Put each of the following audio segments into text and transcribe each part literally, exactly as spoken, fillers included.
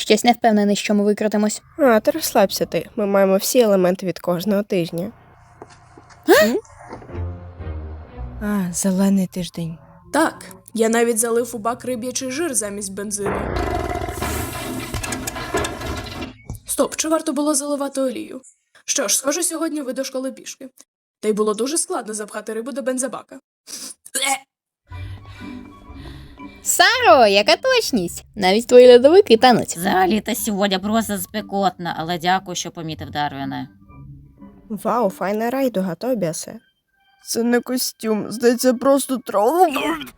Щось не впевнений, що ми викрутимось. А, ти розслабся ти. Ми маємо всі елементи від кожного тижня. М? А, зелений тиждень. Так, я навіть залив у бак риб'ячий жир замість бензину. Стоп, чи варто було заливати олію? Що ж, схоже, сьогодні ви до школи пішки. Та й було дуже складно запхати рибу до бензобака. Е! Саро, яка точність! Навіть твої льодовики тануть. Взагалі-то сьогодні просто спекотно, але дякую, що помітив, Дарвіне. Вау, файна райдуга, Тобіасе. Це не костюм, здається, просто тролл.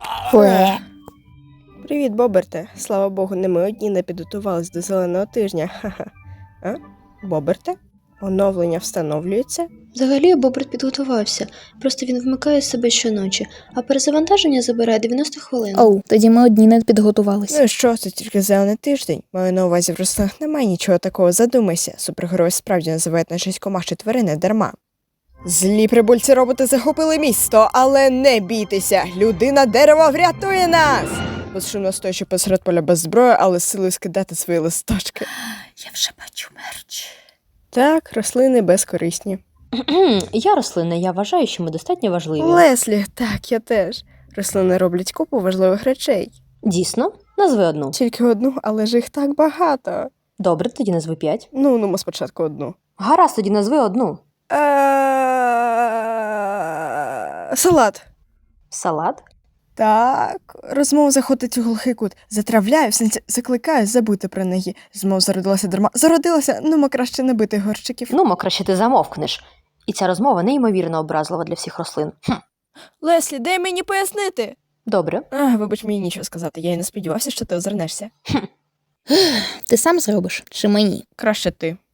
Привіт, Боберте. Слава Богу, не ми одні не підготувались до зеленого тижня. Ха-ха. А? Боберте? Оновлення встановлюється? Взагалі Боберт підготувався, просто він вмикає себе щоночі, а перезавантаження забирає дев'яносто хвилин. Оу, тоді ми одні не підготувались. Ну і що, це тільки зелений тиждень. Маю на увазі, в рослинах немає нічого такого, задумайся. Супергерої справді називають нашість комах чи тварини дарма. Злі прибульці роботи захопили місто, але не бійтеся, людина дерева врятує нас! Безшумно стоячи посеред поля без зброї, але з силою скидати свої листочки. Я вже бачу мерч. Так, рослини безкорисні. Я рослина, я вважаю, що ми достатньо важливі. Леслі, так, я теж. Рослини роблять купу важливих речей. Дійсно? Назви одну. Тільки одну, але ж їх так багато. Добре, тоді назви п'ять. Ну, ну, ми спочатку одну. Гаразд, тоді назви одну. Е, Салат. Салат? Так, розмова заходить у глухий кут. Затравляю, в сенсі закликаю забути про неї. Змов зародилася дарма. Зародилася, ну, мо краще не бити горщиків. Ну, мо краще ти замовкнеш. І ця розмова неймовірно образлива для всіх рослин. Хм. Леслі, дай мені пояснити. Добре. А, вибач, мені нічого сказати. Я й не сподівався, що ти озирнешся. Ти сам зробиш? Чи мені? Краще ти.